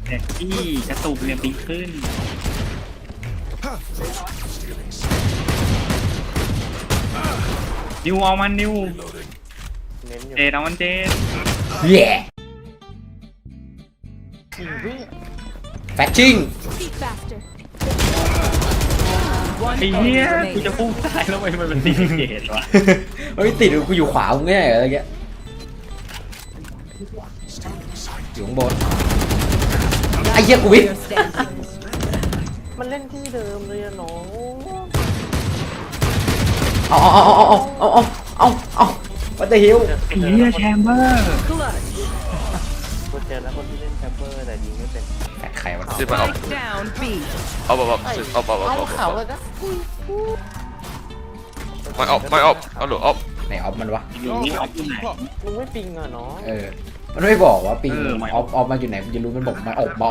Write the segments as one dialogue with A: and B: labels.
A: แต่ที่กระตุกเนี่ยปีขึ้นนิวเอามันนิวเจดเอามันเจด
B: เย่แฟชชิ่ง
A: ไอ้เหี้ยกูจะพุ่งตายแล้วทำไมมันตีเกตวะ
B: เฮ้ยติดกูอยู่ขวามึงไงอะไรเงี้ยอยู่ข้างบนไอ้เหี้ยกูวิท
C: มันเล่นที่เดิมเลยอะน้อง
B: เอาวัตเตอร์ฮิล
A: ไอ้เหี้ยแชมเบอร์
C: คนเจอแล้วคนที่เล่นแคปเปอร์แต่ยิงไม่เป็น
B: แฟดใครวะ
D: ซื้อมาเอา
E: Down B.
D: เอาซื้อเอา
C: เขาเลยนะ
D: ไม่เอาหรือเอา
B: ไหนออฟมันวะ
A: อยู่นี่ออฟอยู่ไหน
C: มึงไม่ปิงอ่ะน้อง
B: มันไม่บอกว่าปิง
A: ไม่
B: ออฟมาอยู่ไหนมันจะรู้มันบอกมาออก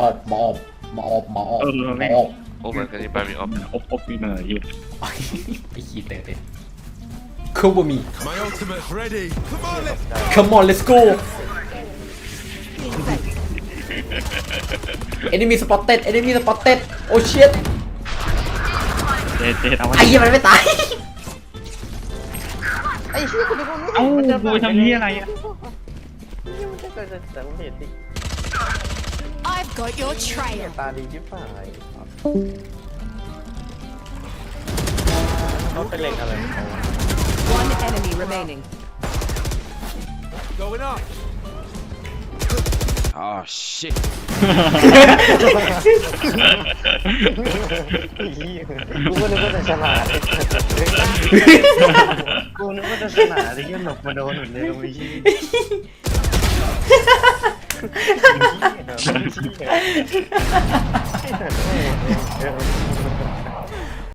D: โอ้เหมือนกันนี่ไปมีออฟ
A: อบปีเมอร์อยู่
B: ไอ้ขี้เตะคูบมี
F: My ultimate ready. Come on, let's
B: Come on let's go Enemy spotted Oh shit
A: เจดเอามัน
B: ไอ้เหี้ยมันไม่ตาย
C: ไอ้เชี่ยคนนี้มันไม่
A: เอ้ากูทำเหี้ยอะไรอ่ะ
C: นี่มันจะเกิดแต่ผมเห็นดิ
E: I've got your trail.
C: ตาดีชิบหายเขาเป็นเล็งอะไรของเขา
E: One enemy remaining.
F: going up. Oh shit.
C: กูก็นึกว่าจะฉลาดกูนึกว่าจะฉลาดที่ยังหลบมาโดนหนุนเลยตรงนี้